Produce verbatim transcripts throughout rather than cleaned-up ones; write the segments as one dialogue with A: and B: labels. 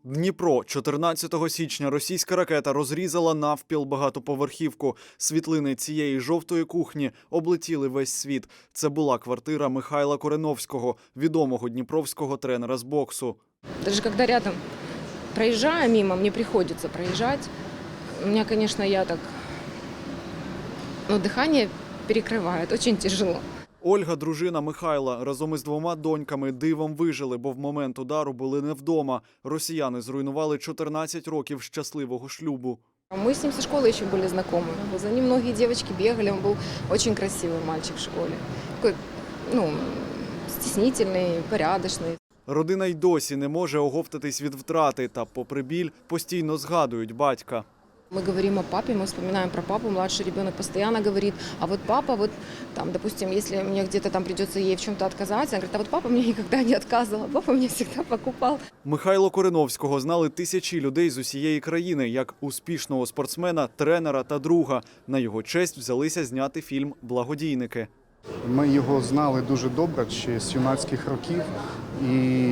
A: Дніпро. чотирнадцятого січня російська ракета розрізала навпіл багатоповерхівку. Світлини цієї жовтої кухні облетіли весь світ. Це була квартира Михайла Кореновського, відомого дніпровського тренера з боксу.
B: Даже когда рядом проезжаю мимо, мне приходится проезжать. У меня, конечно, я так, ну, дыхание перекрывает, очень тяжело.
A: Ольга, дружина Михайла, разом із двома доньками дивом вижили, бо в момент удару були не вдома. Росіяни зруйнували чотирнадцять років щасливого шлюбу.
B: Мы с ним со школы еще были знакомы. За ним многие девочки бегали, он был очень красивый мальчик в школе. Такой, ну, стеснительный, порядочный.
A: Родина й досі не може оговтатись від втрати та, попри біль, постійно згадують батька.
B: Мы говорим о папе, мы вспоминаем про папу, младший ребенок постоянно говорит, а вот папа, вот там, допустим, если мне где-то там придется ей в чем-то отказать, она говорит, а вот папа мне никогда не отказывал, папа мне всегда покупал.
A: Михайла Кореновського знали тисячі людей з усієї країни, як успішного спортсмена, тренера та друга. На його честь взялися зняти фільм «Благодійники».
C: Ми його знали дуже добре ще з юнацьких років, і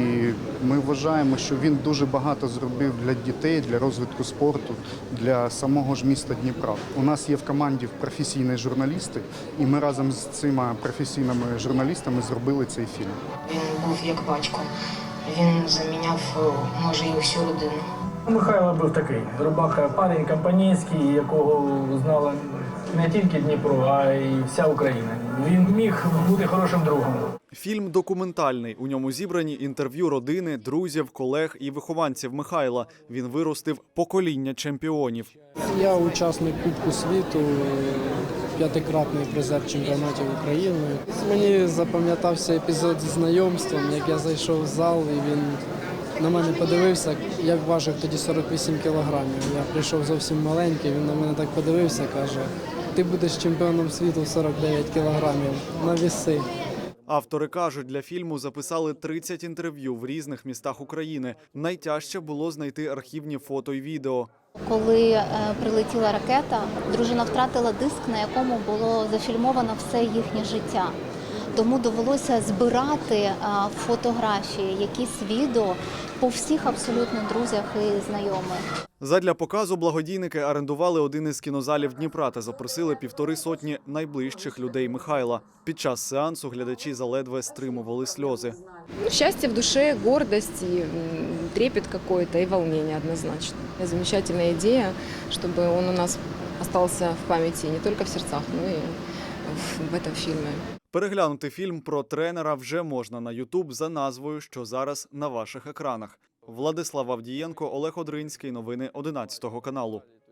C: ми вважаємо, що він дуже багато зробив для дітей, для розвитку спорту, для самого ж міста Дніпра. У нас є в команді професійні журналісти, і ми разом з цими професійними журналістами зробили цей фільм.
D: Він був як батько, він заміняв, може, і всю родину.
E: Михайло був такий рубаха, парень компанійський, якого знала не тільки Дніпро, а й вся Україна. Він міг бути хорошим другом.
A: Фільм документальний. У ньому зібрані інтерв'ю родини, друзів, колег і вихованців Михайла. Він виростив покоління чемпіонів.
F: Я учасник Кубку світу, п'ятикратний призер чемпіонатів України. Мені запам'ятався епізод зі знайомством, як я зайшов в зал і він на мене подивився. Я важив тоді сорок вісім кілограмів. Я прийшов зовсім маленький, він на мене так подивився, каже, ти будеш чемпіоном світу в сорок дев'ять кілограмів, на віси.
A: Автори кажуть, для фільму записали тридцять інтерв'ю в різних містах України. Найтяжче було знайти архівні фото й відео.
G: Коли е, прилетіла ракета, дружина втратила диск, на якому було зафільмовано все їхнє життя. Тому довелося збирати е, фотографії, якісь відео по всіх абсолютно друзях і знайомих.
A: Задля показу благодійники орендували один із кінозалів Дніпра та запросили півтори сотні найближчих людей Михайла. Під час сеансу глядачі заледве стримували сльози.
B: Ну, счастье в душе, гордость, и м, трепет какой-то и волнение однозначно. И замечательная идея, чтобы он у нас остался в памяти не только в сердцах, но и в, в этом фильме.
A: Переглянути фільм про тренера вже можна на ютуб за назвою, що зараз на ваших екранах. Владислав Авдієнко, Олег Одринський. Новини одинадцятого каналу.